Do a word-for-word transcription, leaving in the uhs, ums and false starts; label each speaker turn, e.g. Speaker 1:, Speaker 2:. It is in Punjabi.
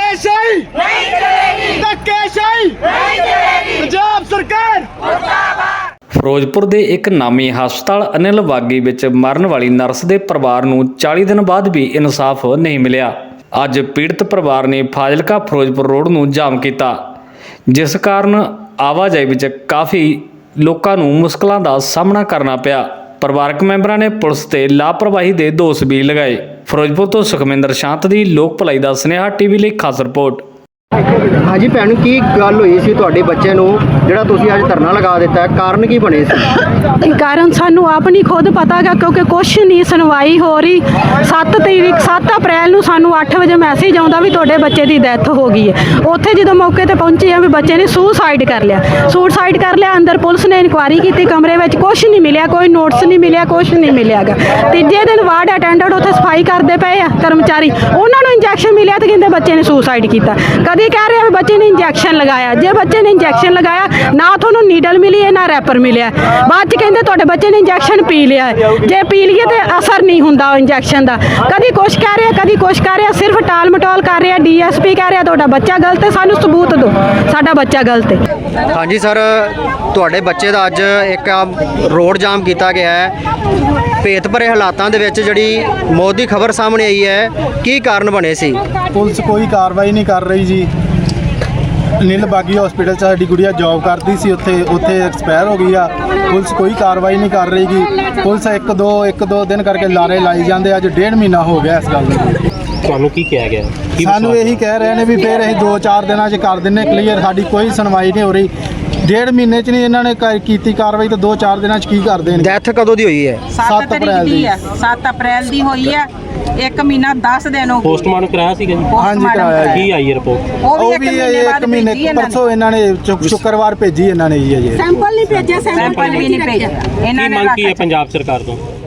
Speaker 1: ਧੱਕੇਸ਼ਾਹੀ ਨਹੀਂ ਚਲੇਗੀ, ਧੱਕੇਸ਼ਾਹੀ ਨਹੀਂ ਚਲੇਗੀ, ਪੰਜਾਬ ਸਰਕਾਰ ਮੁਰਦਾਬਾਦ।
Speaker 2: ਫਿਰੋਜ਼ਪੁਰ ਦੇ ਇੱਕ ਨਾਮੀ ਹਸਪਤਾਲ ਅਨਿਲ ਬਾਗੀ ਵਿੱਚ ਮਰਨ ਵਾਲੀ ਨਰਸ ਦੇ ਪਰਿਵਾਰ ਨੂੰ ਚਾਲੀ ਦਿਨ ਬਾਅਦ ਵੀ ਇਨਸਾਫ ਨਹੀਂ ਮਿਲਿਆ। ਅੱਜ ਪੀੜਤ ਪਰਿਵਾਰ ਨੇ ਫਾਜ਼ਿਲਕਾ ਫਿਰੋਜ਼ਪੁਰ ਰੋਡ ਨੂੰ ਜਾਮ ਕੀਤਾ, ਜਿਸ ਕਾਰਨ ਆਵਾਜਾਈ ਵਿੱਚ ਕਾਫੀ ਲੋਕਾਂ ਨੂੰ ਮੁਸ਼ਕਲਾਂ ਦਾ ਸਾਹਮਣਾ ਕਰਨਾ ਪਿਆ। ਪਰਿਵਾਰਕ ਮੈਂਬਰਾਂ ਨੇ ਪੁਲਿਸ ਤੇ ਲਾਪਰਵਾਹੀ ਦੇ ਦੋਸ਼ ਵੀ ਲਗਾਏ। ਫਿਰੋਜ਼ਪੁਰ ਤੋਂ ਸੁਖਮਿੰਦਰ ਸ਼ਾਂਤ ਦੀ ਲੋਕ ਭਲਾਈ ਦਾ ਸੁਨੇਹਾ ਟੀਵੀ ਲਈ ਖਾਸ ਰਿਪੋਰਟ।
Speaker 3: ਹਾਂਜੀ ਭੈਣ, ਕੀ ਗੱਲ ਹੋਈ ਸੀ ਤੁਹਾਡੇ ਬੱਚੇ ਨੂੰ ਜਿਹੜਾ ਤੁਸੀਂ ਅੱਜ ਧਰਨਾ ਲਗਾ ਦਿੱਤਾ, ਕਾਰਨ ਕੀ ਬਣੇ ਸੀ?
Speaker 4: ਕਾਰਨ ਸਾਨੂੰ ਆਪ ਨਹੀਂ ਖੁਦ ਪਤਾ ਗਾ, ਕਿਉਂਕਿ ਕੁਛ ਨਹੀਂ ਸੁਣਵਾਈ ਹੋ ਰਹੀ। ਸੱਤ ਤਰੀਕ ਸੱਤ ਅਪ੍ਰੈਲ ਨੂੰ ਸਾਨੂੰ ਅੱਠ ਵਜੇ ਮੈਸੇਜ ਆਉਂਦਾ ਵੀ ਤੁਹਾਡੇ ਬੱਚੇ ਦੀ ਡੈਥ ਹੋ ਗਈ ਹੈ। ਉੱਥੇ ਜਦੋਂ ਮੌਕੇ ਤੇ ਪਹੁੰਚੇ ਆ ਵੀ ਬੱਚੇ ਨੇ ਸੁਸਾਈਡ ਕਰ ਲਿਆ ਸੁਸਾਈਡ ਕਰ ਲਿਆ ਅੰਦਰ ਪੁਲਿਸ ਨੇ ਇਨਕੁਆਇਰੀ ਕੀਤੀ, ਕਮਰੇ ਵਿੱਚ ਕੁਛ ਨਹੀਂ ਮਿਲਿਆ, ਕੋਈ ਨੋਟਿਸ ਨਹੀਂ ਮਿਲਿਆ, ਕੁਛ ਨਹੀਂ ਮਿਲਿਆਗਾ। ਤੀਜੇ ਦਿਨ ਵਾਰਡ ਅਟੈਂਡੈਂਟ ਉੱਥੇ ਸਫਾਈ ਕਰਦੇ ਪਏ ਆ ਕਰਮਚਾਰੀ, ਉਹਨਾਂ ਨੂੰ ਇੰਜੈਕਸ਼ਨ ਮਿਲਿਆ ਤੇ ਕਹਿੰਦੇ ਬੱਚੇ ਨੇ ਸੁਸਾਈਡ ਕੀਤਾ। ਕਦੀ ਕਹਿ ਰਹੇ ਆ ਬੱਚੇ ਨੇ ਇੰਜੈਕਸ਼ਨ ਲਗਾਇਆ, ਜੇ ਬੱਚੇ ਨੇ ਇੰਜੈਕਸ਼ਨ ਲਗਾਇਆ ਨਾ ਤੁਹਾਨੂੰ ਨੀਡਲ ਮਿਲੀ ਹੈ ਨਾ ਰੈਪਰ ਮਿਲਿਆ। ਬਾਅਦ ਚ ਕਹਿੰਦੇ ਤੁਹਾਡੇ ਬੱਚੇ ਨੇ ਇੰਜੈਕਸ਼ਨ ਪੀ ਲਿਆ ਹੈ, ਜੇ ਪੀ ਲਈਏ ਤੇ ਅਸਰ ਨਹੀਂ ਹੁੰਦਾ ਇੰਜੈਕਸ਼ਨ ਦਾ। ਕਦੀ ਕੁਛ ਕਹਿ ਰਿਹਾ ਕਦੀ ਕੁਛ ਕਹਿ ਰਿਹਾ, ਸਿਰਫ ਟਾਲ ਮਟੋਲ ਕਰ ਰਿਹਾ। ਡੀਐਸਪੀ ਕਹਿ ਰਿਹਾ ਤੁਹਾਡਾ ਬੱਚਾ ਗਲਤ ਹੈ, ਸਾਨੂੰ ਸਬੂਤ ਦਿਓ ਸਾਡਾ ਬੱਚਾ ਗਲਤ ਹੈ।
Speaker 3: ਹਾਂਜੀ ਸਰ, ਤੁਹਾਡੇ ਬੱਚੇ ਦਾ ਅੱਜ ਇੱਕ ਰੋਡ ਜਾਮ ਕੀਤਾ ਗਿਆ ਹੈ, ਭੇਤ ਭਰੇ ਹਾਲਾਤਾਂ ਦੇ ਵਿੱਚ ਜਿਹੜੀ ਮੌਤ ਦੀ ਖਬਰ ਸਾਹਮਣੇ ਆਈ ਹੈ, ਕੀ ਕਾਰਨ ਬਣੇ ਸੀ?
Speaker 5: ਪੁਲਿਸ ਕੋਈ ਕਾਰਵਾਈ ਨਹੀਂ ਕਰ ਰਹੀ ਜੀ। ਅਨਿਲ ਬਾਗੀ ਹਸਪੀਟਲ 'ਚ ਸਾਡੀ ਗੁੜੀਆ ਜੌਬ ਕਰਦੀ ਸੀ, ਉੱਥੇ ਉੱਥੇ ਐਕਸਪਾਇਰ ਹੋ ਗਈ ਆ। ਪੁਲਿਸ ਕੋਈ ਕਾਰਵਾਈ ਨਹੀਂ ਕਰ ਰਹੀ ਗੀ। ਪੁਲਿਸ ਇੱਕ ਦੋ ਇੱਕ ਦੋ ਦਿਨ ਕਰਕੇ ਲਾਰੇ ਲਾਈ ਜਾਂਦੇ। ਅੱਜ ਡੇਢ ਮਹੀਨਾ ਹੋ ਗਿਆ ਇਸ ਗੱਲ ਨੂੰ।
Speaker 6: ਤੁਹਾਨੂੰ ਕੀ ਕਿਹਾ ਗਿਆ?
Speaker 5: ਸਾਨੂੰ ਇਹੀ ਕਹਿ ਰਹੇ ਨੇ ਵੀ ਫਿਰ ਅਸੀਂ ਦੋ ਚਾਰ ਦਿਨਾਂ 'ਚ ਕਰ ਦਿੰਨੇ ਕਲੀਅਰ। ਸਾਡੀ ਕੋਈ ਸੁਣਵਾਈ ਨਹੀਂ ਹੋ ਰਹੀ। ਡੇਢ ਮਹੀਨੇ 'ਚ ਨਹੀਂ ਇਹਨਾਂ ਨੇ ਕ- ਕੀਤੀ ਕਾਰਵਾਈ, ਤਾਂ ਦੋ ਚਾਰ ਦਿਨਾਂ 'ਚ ਕੀ ਕਰਦੇ ਨੇ?
Speaker 3: ਡੈਥ ਕਦੋਂ ਦੀ ਹੋਈ ਹੈ?
Speaker 5: ਸੱਤ ਅਪ੍ਰੈਲ ਦੀ
Speaker 7: ਹੈ। ਸੱਤ ਅਪ੍ਰੈਲ ਦੀ ਹੋਈ ਹੈ, ਇੱਕ ਮਹੀਨਾ ਦਸ ਦਿਨ ਹੋ ਗਏ।
Speaker 6: ਪੋਸਟਮਾਰਟਮ ਕਰਾਇਆ ਸੀਗਾ ਜੀ?
Speaker 5: ਹਾਂਜੀ ਕਰਾਇਆ ਜੀ।
Speaker 6: ਕੀ ਆਈ ਰਿਪੋਰਟ?
Speaker 7: ਉਹ
Speaker 5: ਉਹ
Speaker 7: ਵੀ
Speaker 5: ਵੀ
Speaker 7: ਇੱਕ ਮਹੀਨੇ
Speaker 5: ਇੱਕ
Speaker 7: ਬਾਅਦ
Speaker 5: ਮਹੀਨੇ
Speaker 7: ਭੇਜੀ ਇਹਨਾਂ
Speaker 5: ਪਰਸੋਂ ਇਹਨਾਂ ਨੇ ਸ਼ੁ- ਸ਼ੁੱਕਰਵਾਰ ਭੇਜੀ ਇਹਨਾਂ ਨੇ ਜੀ ਅਜੇ।
Speaker 4: ਸੈਂਪਲ ਨਹੀਂ ਭੇਜਿਆ,
Speaker 7: ਸੈਂਪਲ ਵੀ ਨਹੀਂ ਭੇਜਿਆ ਇਹਨਾਂ
Speaker 6: ਕੀ
Speaker 7: ਨੇ।
Speaker 6: ਮੰਗ ਕੀ ਹੈ ਪੰਜਾਬ ਸਰਕਾਰ ਤੋਂ?